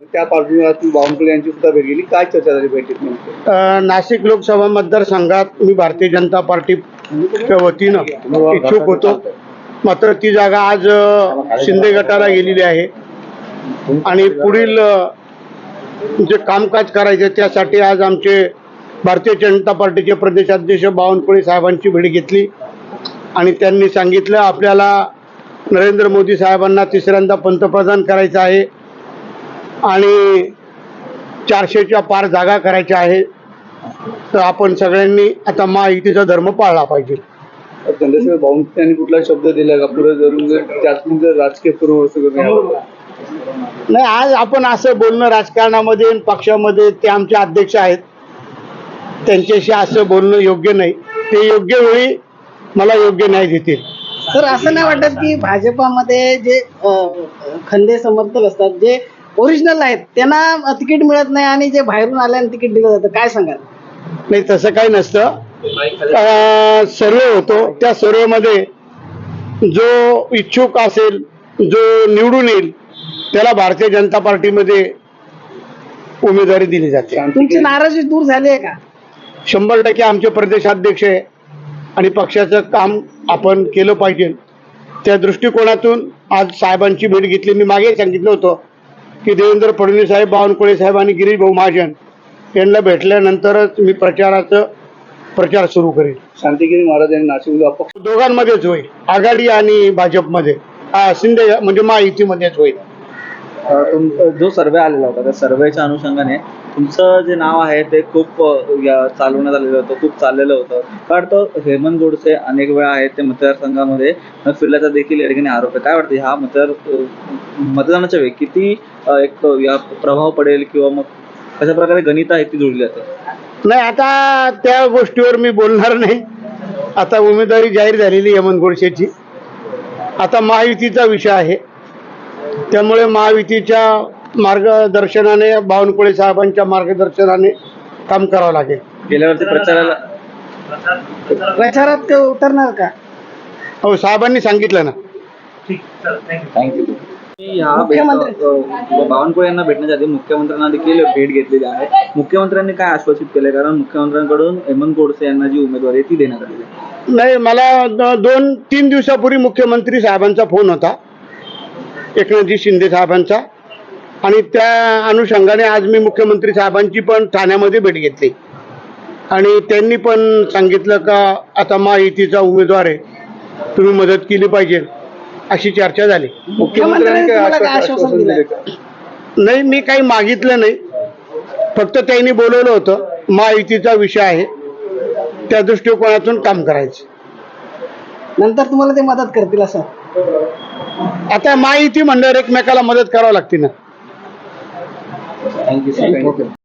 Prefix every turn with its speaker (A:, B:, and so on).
A: त्या पार्श्वभूमीवर बावनकुळे यांची सुद्धा भेट गेली. काय चर्चा झाली बैठकीत नेमकी?
B: नाशिक लोकसभा मतदारसंघात मी भारतीय जनता पार्टीच्या वतीनं इच्छुक होतो, मात्र ती जागा आज शिंदे गटाला गेलेली आहे आणि पुढील जे कामकाज करायचे त्यासाठी आज आमचे भारतीय जनता पार्टीचे प्रदेशाध्यक्ष बावनकुळे साहेबांची भेट घेतली आणि त्यांनी सांगितलं आपल्याला नरेंद्र मोदी साहेबांना तिसऱ्यांदा पंतप्रधान करायचं आहे आणि 400च्या पार जागा करायच्या आहे, तर आपण सगळ्यांनी आता महायुतीचा धर्म पाळला पाहिजे.
A: चंद्रशेखर बावनकुळे यांनी कुठला शब्द दिला का पुढे जरूर त्यातून जर राजकीय पूर्व
B: नाही, आज आपण असं बोलणं राजकारणामध्ये पक्षामध्ये ते आमचे अध्यक्ष आहेत, त्यांच्याशी असं बोलणं योग्य नाही. ते योग्य वेळी मला योग्य न्याय देतील.
C: सर, असं नाही वाटत की भाजपामध्ये जे खंदे समर्थक असतात, जे ओरिजिनल आहेत, त्यांना तिकीट मिळत नाही आणि जे बाहेरून आल्याने तिकीट दिलं जातं, काय सांगाल?
B: नाही, तसं काही नसतं. सर्वे होतो, त्या सर्वेमध्ये जो इच्छुक असेल, जो निवडून येईल त्याला भारतीय जनता पार्टीमध्ये उमेदवारी दिली जाते.
C: तुमची नाराजी दूर झाली आहे का?
B: 100% आमचे प्रदेशाध्यक्ष आहे आणि पक्षाचं काम आपण केलं पाहिजे. त्या दृष्टिकोनातून आज साहेबांची भेट घेतली. मी मागे सांगितलं होतं की देवेंद्र फडणवीस साहेब, बावनकुळे साहेब आणि गिरीश भाऊ महाजन यांना भेटल्यानंतरच मी प्रचार सुरू करेल.
A: शांतिगिरी महाराज यांनी नाशिकला अपक्ष
B: दोघांमध्येच होईल, आघाडी आणि भाजपमध्ये, शिंदे म्हणजे महायुतीमध्येच होईल.
D: जो सर्वे आलेला होता त्या सर्वेच्या अनुषंगाने तुमचं जे नाव आहे ते खूप चालवण्यात आलेलं होतं, खूप चाललेलं होतं. कारण तो हेमंत गोडसे अनेक वेळा आहेत ते मतदारसंघामध्ये फिरल्याचा देखील या ठिकाणी आरोप आहे. काय वाटतं हा मतदानाच्या वेळी किती एक या प्रभाव पडेल किंवा मग कशा प्रकारे गणित आहे ती जोडली जाते?
B: नाही, आता त्या गोष्टीवर मी बोलणार नाही. आता उमेदवारी जाहीर झालेली हेमंत गोडसेची, आता महायुतीचा विषय आहे, त्यामुळे महायुतीच्या मार्गदर्शनाने, बावनकुळे साहेबांच्या मार्गदर्शनाने काम करावं लागेल.
D: गेल्यावरती
C: प्रचारात उतरणार का?
B: हो, साहेबांनी सांगितलं ना.
D: थँक्यू. बावनकुळे यांना भेटण्याच्या आधी मुख्यमंत्र्यांना देखील भेट घेतलेली आहे. मुख्यमंत्र्यांनी काय आश्वासित केले? कारण मुख्यमंत्र्यांकडून हेमंत गोडसे यांना जी उमेदवारी ती देण्यात आलेली आहे.
B: नाही, मला 2-3 दिवसापूर्वी मुख्यमंत्री साहेबांचा फोन होता, एकनाथजी शिंदे साहेबांचा, आणि त्या अनुषंगाने आज मी मुख्यमंत्री साहेबांची पण ठाण्यामध्ये भेट घेतली आणि त्यांनी पण सांगितलं का आता महायुतीचा उमेदवार आहे, तुम्ही मदत केली पाहिजे, अशी चर्चा झाली.
A: मुख्यमंत्र्यांनी काय आश्वासन दिलं?
B: नाही, मी काही मागितलं नाही, फक्त त्यांनी बोलवलं होतं. महायुतीचा विषय आहे, त्या दृष्टिकोनातून काम करायचं.
C: नंतर तुम्हाला ते मदत करतील असं?
B: आता महायुती म्हणल्यावर एकमेकाला मदत करावी लागते ना.
D: थँक्यू.